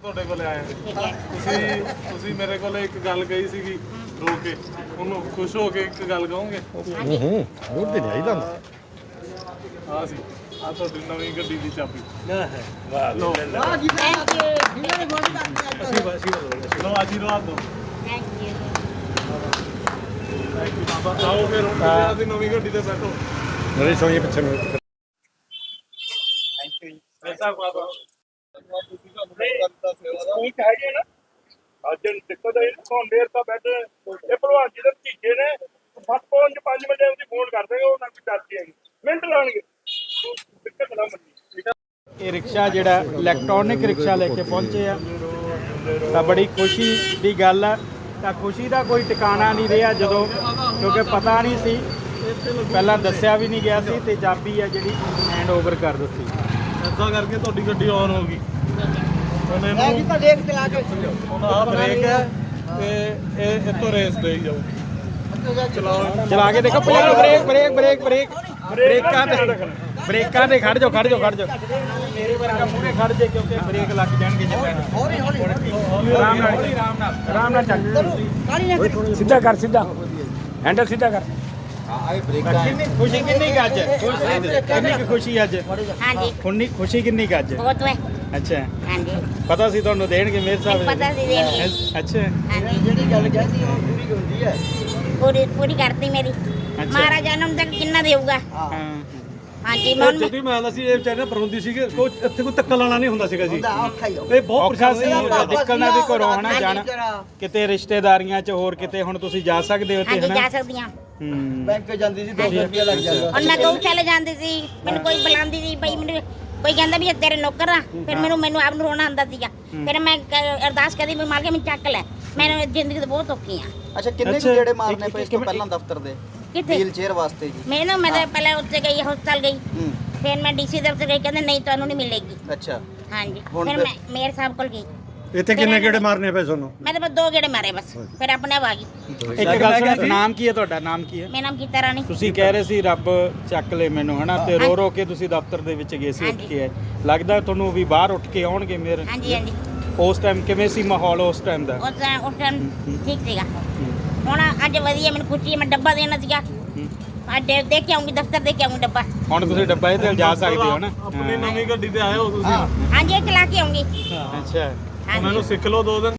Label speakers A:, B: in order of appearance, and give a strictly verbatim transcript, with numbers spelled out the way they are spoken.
A: ਤੁਹਾਡੇ ਕੋਲੇ ਆਏ
B: ਠੀਕ ਹੈ।
A: ਤੁਸੀਂ ਤੁਸੀਂ ਮੇਰੇ ਕੋਲੇ ਇੱਕ ਗੱਲ ਕਹੀ ਸੀਗੀ ਰੋ ਕੇ, ਉਹਨੂੰ ਖੁਸ਼ ਹੋ ਕੇ ਇੱਕ ਗੱਲ ਕਹੋਗੇ?
C: ਹੂੰ ਹੂੰ ਹੋਰ ਤੇ ਨਹੀਂ ਆਈਦਾ
A: ਆ ਸੀ ਆ ਤੁਹਾਡੀ ਨਵੀਂ ਗੱਡੀ ਦੀ ਚਾਬੀ।
C: ਵਾਹ
A: ਲਓ
B: ਥੈਂਕ ਯੂ
C: ਅਸੀਂ ਅਸੀਂ
A: ਲਓ ਆਸ਼ੀਰਵਾਦ ਦਿਓ।
B: ਥੈਂਕ ਯੂ
A: ਥੈਂਕ ਯੂ ਬਾਬਾ। ਆਓ ਫਿਰ ਹੁਣ ਤੁਸੀਂ ਆਪਣੀ ਨਵੀਂ ਗੱਡੀ ਤੇ ਬੈਠੋ।
C: ਨਰੇ ਸੋਈਏ ਪਿੱਛੇ ਨੂੰ
A: ਐਸਾ ਬਾਬਾ
D: ਠੀਕ ਹੈ ਜੀ ਨਾ ਅੱਜ ਦਿੱਕਤ ਹੈ ਕੋਣ ਦੇਰ ਤਾਂ ਬੈਠੇ ਇਹ ਭਲਵਾਨ ਜੀ ਦੇ ਭਤੀਜੇ ਨੇ ਸੱਤ ਪੰਜ ਪੰਜ ਮਿੰਟ ਉਹਦੀ ਫੋਨ ਕਰ ਦੇਗਾ ਉਹਨਾਂ ਕੋਈ ਚਾਚੀ ਹੈਗੀ ਮਿੰਟ ਲਾਉਣਗੇ ਦਿੱਕਤ ਨਾ ਮੰਨੀ।
E: ਇਹ ਰਿਕਸ਼ਾ ਜਿਹੜਾ ਇਲੈਕਟ੍ਰੋਨਿਕ ਰਿਕਸ਼ਾ ਲੈ ਕੇ ਪਹੁੰਚੇ ਆ ਤਾਂ ਬੜੀ ਖੁਸ਼ੀ ਦੀ ਗੱਲ ਆ। ਤਾਂ ਖੁਸ਼ੀ ਦਾ ਕੋਈ ਟਿਕਾਣਾ ਨਹੀਂ ਰਿਹਾ ਜਦੋਂ ਕਿਉਂਕਿ ਪਤਾ ਨਹੀਂ ਸੀ, ਪਹਿਲਾਂ ਦੱਸਿਆ ਵੀ ਨਹੀਂ ਗਿਆ ਸੀ ਤੇ ਚਾਬੀ ਆ ਜਿਹੜੀ ਹੈਂਡ ਓਵਰ ਕਰ ਦਿੱਤੀ।
A: ਐਦਾਂ ਕਰਕੇ ਤੁਹਾਡੀ ਗੱਡੀ ਆਨ ਹੋ ਗਈ। ਉਹਨੇ
F: ਮੈਂ
A: ਇਹਨੂੰ
F: ਤਾਂ ਦੇਖ ਚਲਾ ਕੇ
A: ਹੁਣ ਆਹ ਬ੍ਰੇਕ ਹੈ ਤੇ ਇਹ ਇੱਥੋਂ ਰੇਸ ਦੇਈ ਜਾਓ। ਚਲਾਓ
E: ਚਲਾ ਕੇ ਦੇਖੋ ਪਹਿਲਾਂ ਬ੍ਰੇਕ ਬ੍ਰੇਕ ਬ੍ਰੇਕ ਬ੍ਰੇਕ ਬ੍ਰੇਕਾਂ ਤੇ ਬ੍ਰੇਕਾਂ ਤੇ ਖੜ ਜਾਓ ਖੜ ਜਾਓ ਖੜ ਜਾਓ ਮੇਰੇ ਵਰਗਾ ਮੂਹਰੇ ਖੜ ਜੇ ਕਿਉਂਕਿ ਬ੍ਰੇਕ ਲੱਗ ਜਾਣਗੇ ਜੇ ਪੈਣ।
F: ਹੌਲੀ ਹੌਲੀ
E: ਆਰਾਮ ਨਾਲ ਆਰਾਮ ਨਾਲ ਆਰਾਮ ਨਾਲ ਚੱਲ ਸਿੱਧਾ ਕਰ ਸਿੱਧਾ ਹੈਂਡਲ ਸਿੱਧਾ ਕਰ। ਕਿੰਨੀ ਖੁਸ਼ੀ ਕਿੰਨੀ ਕੁ ਅੱਜ ਕਿੰਨੀ ਕੁ ਖੁਸ਼ੀ ਅੱਜ
B: ਹਾਂਜੀ
E: ਖੁੰਨੀ ਖੁਸ਼ੀ ਕਿੰਨੀ ਕੁ ਅੱਜ
B: ਬਹੁਤ ਹੈ।
E: ਅੱਛਾ
B: ਹਾਂਜੀ
E: ਪਤਾ ਸੀ ਤੁਹਾਨੂੰ ਦੇਣਗੇ ਮੇਰੇ ਸਾਹਿਬ
B: ਪਤਾ ਸੀ ਦੇਣਗੇ।
E: ਅੱਛਾ
B: ਹਾਂਜੀ
F: ਜਿਹੜੀ ਗੱਲ ਕਹਿੰਦੀ ਉਹ ਪੂਰੀ ਹੁੰਦੀ ਹੈ।
B: ਪੂਰੀ ਪੂਰੀ ਕਰਤੀ ਮੇਰੀ। ਮਹਾਰਾਜ ਜਨਮ ਤੱਕ ਕਿੰਨਾ ਦੇਊਗਾ?
E: ਹਾਂ
B: ਹਾਂਜੀ ਮੈਂ ਹੁਣ-
C: ਜਦੋਂ ਮੈਂ ਅਸੀਂ ਇਹ ਵਿਚਾਰੇ ਪਰੌਂਦੀ ਸੀਗੇ ਕੋਈ ਇੱਥੇ ਕੋਈ ਧੱਕਾ ਲਾਣਾ ਨਹੀਂ ਹੁੰਦਾ ਸੀਗਾ ਜੀ।
F: ਹੁੰਦਾ ਔਖਾ ਹੀ ਹੋ
C: ਇਹ ਬਹੁਤ
E: ਔਖਾ
C: ਪਰੇਸ਼ਾਨ
E: ਸੀ
C: ਹੋਇਆ।
E: ਨਿਕਲਣਾ ਵੀ ਘਰੋਂ ਹਨਾ
B: ਹਾਂਜੀ,
E: ਜਾਣਾ
F: ਜਰਾ
E: ਕਿਤੇ ਰਿਸ਼ਤੇਦਾਰੀਆਂ 'ਚ ਹੋਰ ਕਿਤੇ ਹੁਣ ਤੁਸੀਂ ਜਾ ਸਕਦੇ ਹੋ ਤੇ
B: ਹਾਂਜੀ
E: ਹਨਾ
B: ਜਾ ਸਕਦੀ ਹਾਂ।
E: ਹੂੰ
F: ਬੈਂਕ ਜਾਂਦੀ ਸੀ ਦੋ ਸੌ ਰੁਪਇਆ ਲੱਗ ਜਾਂਦਾ।
B: ਹੁਣ ਮੈਂ ਗਊਸ਼ਾਲਾ ਜਾਂਦੀ ਸੀ, ਮੈਨੂੰ ਕੋਈ ਬੁਲਾਉਂਦੀ ਸੀ ਬਈ ਮੈਨੂੰ ਕੋਈ ਕਹਿੰਦਾ ਵੀ ਇਹ ਤੇਰੇ ਨੌਕਰ ਆ, ਫਿਰ ਮੈਨੂੰ ਮੈਨੂੰ ਆਪ ਨੂੰ ਰੋਣਾ ਆਉਂਦਾ ਸੀਗਾ। ਫਿਰ ਮੈਂ ਕ- ਅਰਦਾਸ ਕਰਦੀ ਵੀ ਮਾਲਕ ਮੈਨੂੰ ਚੱਕ ਲੈ। ਮੈਨੂੰ ਜ਼ਿੰਦਗੀ ਤੇ ਬਹੁਤ ਔਖੀ ਆ।
F: ਅੱਛਾ ਕਿੰਨੇ ਕੁ
E: ਅੱਛਾ,
F: ਗੇੜੇ
E: ਇੱਕ-
F: ਮਾਰਨੇ ਪਏ ਇਸ ਤੋਂ
E: ਇੱਕ-
F: ਪਹਿਲਾਂ ਦਫ਼ਤਰ ਦੇ
B: ਕਿੱਥੇ
F: ਵੀਲ ਚੇਅਰ ਵਾਸਤੇ ਜੀ?
B: ਮੈਂ ਨਾ ਮੈਂ ਤਾਂ ਪਹਿਲਾਂ ਉੱਥੇ ਗਈ ਹਸਪਤਾਲ ਗਈ,
F: ਹੂੰ
B: ਫਿਰ ਮੈਂ ਡੀਸੀ ਦਫ਼ਤਰ ਗਈ, ਕਹਿੰਦੇ ਨਹੀਂ ਤੁਹਾਨੂੰ ਨਹੀਂ ਮਿਲੇਗੀ।
F: ਅੱਛਾ
B: ਹਾਂਜੀ
F: ਹੁਣ
B: ਫਿਰ
F: ਫਿਰ-
B: ਮੈਂ ਮੇਅਰ ਸਾਹਿਬ ਕੋਲ ਗਈ,
C: ਇੱਥੇ ਕਿੰਨੇ ਗੇੜੇ ਮਾਰਨੇ ਪਏ ਤੁਹਾਨੂੰ?
B: ਮੈਂ ਤਾਂ ਬਸ ਦੋ ਗੇੜੇ ਮਾਰੇ ਬਸ, ਫਿਰ ਆਪਣੇ ਆਪ ਆ ਗਈ।
E: ਇੱਕ ਗੱਲ ਸੁਣ ਨਾਮ ਕੀ ਹੈ ਤੁਹਾਡਾ ਨਾਮ ਕੀ ਹੈ?
B: ਮੇਰਾ ਨਾਮ ਗੀਤਾ ਰਾਣੀ।
E: ਤੁਸੀਂ ਕਹਿ ਰਹੇ ਸੀ ਰੱਬ ਚੱਕ ਲੈ ਮੈਨੂੰ ਹਨਾ ਤੇ ਰੋ ਰੋ ਕੇ ਤੁਸੀਂ ਦਫ਼ਤਰ ਦੇ ਵਿੱਚ ਗਏ ਸੀ ਉੱਠ
B: ਹਾਂਜੀ।
E: ਕੇ ਆਏ। ਲੱਗਦਾ ਤੁਹਾਨੂੰ ਵੀ ਬਾਹਰ ਉੱਠ ਕੇ ਆਉਣਗੇ ਮੇਰੇ
B: ਹਾਂਜੀ ਹਾਂਜੀ
E: ਉਸ ਟਾਈਮ ਕਿਵੇਂ ਸੀ ਮਾਹੌਲ ਉਸ ਟਾਈਮ ਦਾ?
B: ਉਸ ਟਾਈਮ ਉਸ ਟਾਈਮ ਠੀਕ ਸੀਗਾ। ਹੁਣ ਅੱਜ ਵਧੀਆ ਮੈਨੂੰ ਖੁਸ਼ੀ ਹੈ, ਮੈਂ ਡੱਬਾ ਦੇਣਾ ਸੀਗਾ। ਅੱਜ ਦੇ ਦੇ ਕੇ ਆਉਂਗੀ ਦਫ਼ਤਰ ਦੇ ਕੇ ਆਉਂਗੀ ਡੱਬਾ।
E: ਹੁਣ ਤੁਸੀਂ ਡੱਬਾ ਇਹ ਤੇ ਜਾ ਸਕਦੇ ਹੋ ਨਾ?
A: ਆਪਣੀ ਨਵੀਂ ਗੱਡੀ ਤੇ ਆਏ ਹੋ ਤੁਸੀਂ।
B: ਹਾਂਜੀ ਇਹ ਚਲਾ ਕੇ ਆਉਂਗੀ।
E: ਅੱਛਾ
A: ਹੁਣ ਇਹਨੂੰ ਸਿੱਖ ਲਓ ਦੋ ਦਿਨ।